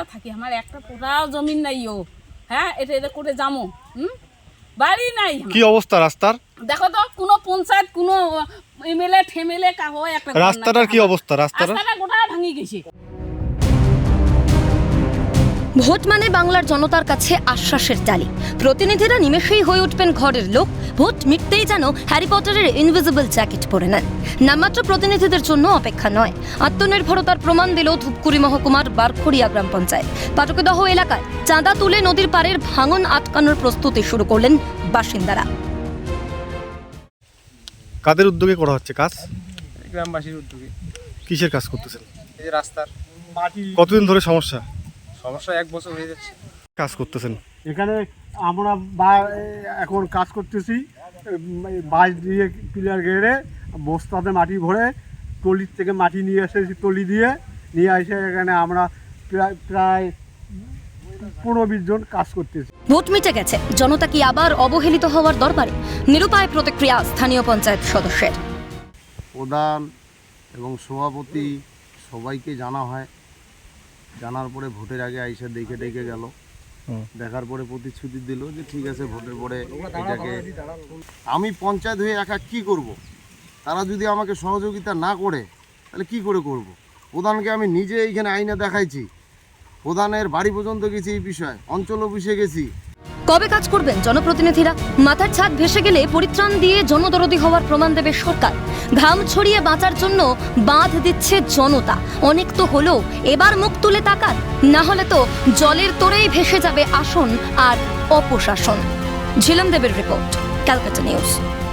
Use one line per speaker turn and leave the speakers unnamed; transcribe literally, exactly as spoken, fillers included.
থাকি, আমার একটা পুরাও জমিন নাই ও। হ্যাঁ, এটা এটা করে যাবো, হুম, বাড়ি নাই।
কি অবস্থা রাস্তার?
দেখো তো, কোনো পঞ্চায়েত, কোনো এমএলএ ঠেমেলে কাহো একটা
রাস্তাটার কি অবস্থা? রাস্তাটা
রাস্তাটা গোটা ভাঙি গেছে।
ভোট মানে বাংলার জনতার কাছে আশ্বাসের ডালি। প্রতিনিধিরা নিমেষেই হয়ে উঠবেন ঘরের লোক। ভোট মিটতেই যেন হ্যারি পটারের ইনভিজিবল জ্যাকেট পরে নেন। নামমাত্র প্রতিনিধিদের জন্য অপেক্ষা নয়, আত্মনির্ভরতার প্রমাণ দিল ধূপগুড়ি মহকুমার বারখড়িয়া গ্রাম পঞ্চায়েত। পাটকেদহ এলাকায় চাঁদা তুলে নদীর পাড়ের ভাঙন আটকানোর প্রস্তুতি শুরু করলেন বাসিন্দারা।
কাদের উদ্যোগে করা হচ্ছে কাজ?
গ্রামবাসীর উদ্যোগে।
কিসের কাজ করতেছেন?
এই যে রাস্তার মাটি
কতদিন ধরে সমস্যা?
সমস্যা এক বছর হয়ে যাচ্ছে।
কাজ করতেছেন
এখানে আমরা বা- এখন কাজ করতেছি, বাঁশ দিয়ে পিলার গেড়ে বস্তাতে মাটি ভরে টলির থেকে মাটি নিয়ে এসেছি, টলি দিয়ে নিয়ে এসে এখানে আমরা প্রায় প্রায় পনেরো বিশ জন কাজ করতেছি।
ভোট মিটে গেছে, জনতা কি আবার অবহেলিত হওয়ার দরবারে? নিরুপায় প্রতিক্রিয়া স্থানীয় পঞ্চায়েত সদস্যের।
প্রধান এবং সভাপতি সবাইকে জানা হয়, জানার পরে ভোটের আগে আইসা দেখে ডেকে গেল, দেখার পরে প্রতিশ্রুতি দিল যে ঠিক আছে ভোটের পরে এটাকে। আমি পঞ্চায়েত হয়ে একা কি করব? তারা যদি আমাকে সহযোগিতা না করে তাহলে কি করে করব? প্রধানকে আমি নিজে এইখানে আইনে দেখাইছি, প্রধানের বাড়ি পর্যন্ত গেছি, এই বিষয়ে অঞ্চল অফিসে গেছি।
কবে কাজ করবেন জনপ্রতিনিধিরা? মাথার ছাদ ভেসে গেলে পরিত্রাণ দিয়ে জনদরদি হওয়ার প্রমাণ দেবে সরকার। ঘাম ছড়িয়ে বাঁচার জন্য বাঁধ দিচ্ছে জনতা। অনেক তো হলো, এবার মুখ তুলে তাকান, না হলে তো জলের তোরেই ভেসে যাবে আসন আর অপশাসন। ঝিলম দেবের রিপোর্ট, ক্যালকাটা নিউজ।